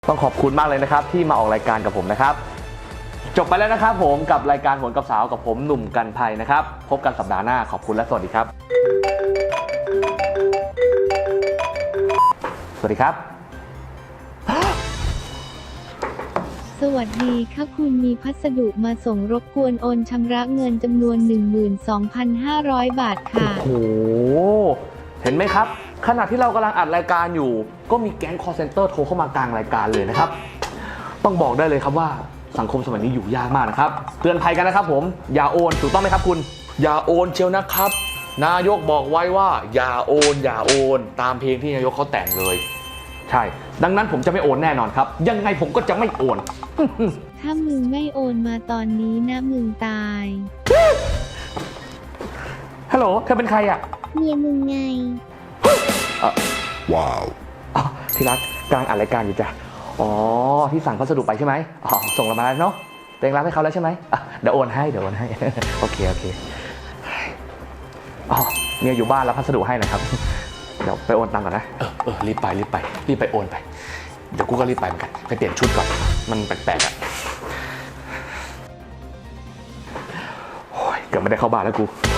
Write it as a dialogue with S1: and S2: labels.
S1: ต้องขอบคุณมากเลยนะครับที่มาออกรายการกับผมนะครับจบไปแล้วนะครับผมกับรายการโหนกับสาวกับผมหนุ่มกันภัยนะครับพบกันสัปดาห์หน้าขอบคุณและสวัสดีครับสวัสดีครับ
S2: สวัสดีค่ะคุณมีพัสดุมาส่งรบกวนโอนชำระเงินจำนวน 12,500 บาทค่ะ
S1: โอ้โหเห็นไหมครับขณะที่เรากำลังอัดรายการอยู่ก็มีแก๊ง call center โทรเข้ามากลางรายการเลยนะครับต้องบอกได้เลยครับว่าสังคมสมัยนี้อยู่ยากมากนะครับเตือนภัยกันนะครับผมอย่าโอนถูกต้องไหมครับคุณอย่าโอนเชียวนะครับนายกบอกไว้ว่าอย่าโอนอย่าโอนตามเพลงที่นายกเขาแต่งเลยใช่ดังนั้นผมจะไม่โอนแน่นอนครับยังไงผมก็จะไม่โอน
S2: ถ้ามึงไม่โอนมาตอนนี้นะมึงตาย
S1: ฮัลโหลเธอเป็นใครอ่ะ
S2: เมียมึงไง
S1: ว้าวที่รักกำลังอัดรายการอยู่จ้ะอ๋อที่สั่งพัสดุไปใช่ไหมอ๋อส่งเรามาแล้วเนาะเต็งรับให้เขาแล้วใช่ไหมเดี๋ยวโอนให้โอเคอ๋อเมียอยู่บ้านแล้วพัสดุให้นะครับเดี๋ยวไปโอนตังค์ก่อนนะรีบไปโอนไปเดี๋ยวกูก็รีบไปเหมือนกันไปเปลี่ยนชุดก่อนมันแปลกๆอ่ะโอ้ยเกือบไม่ได้เข้าบ้านแล้วกู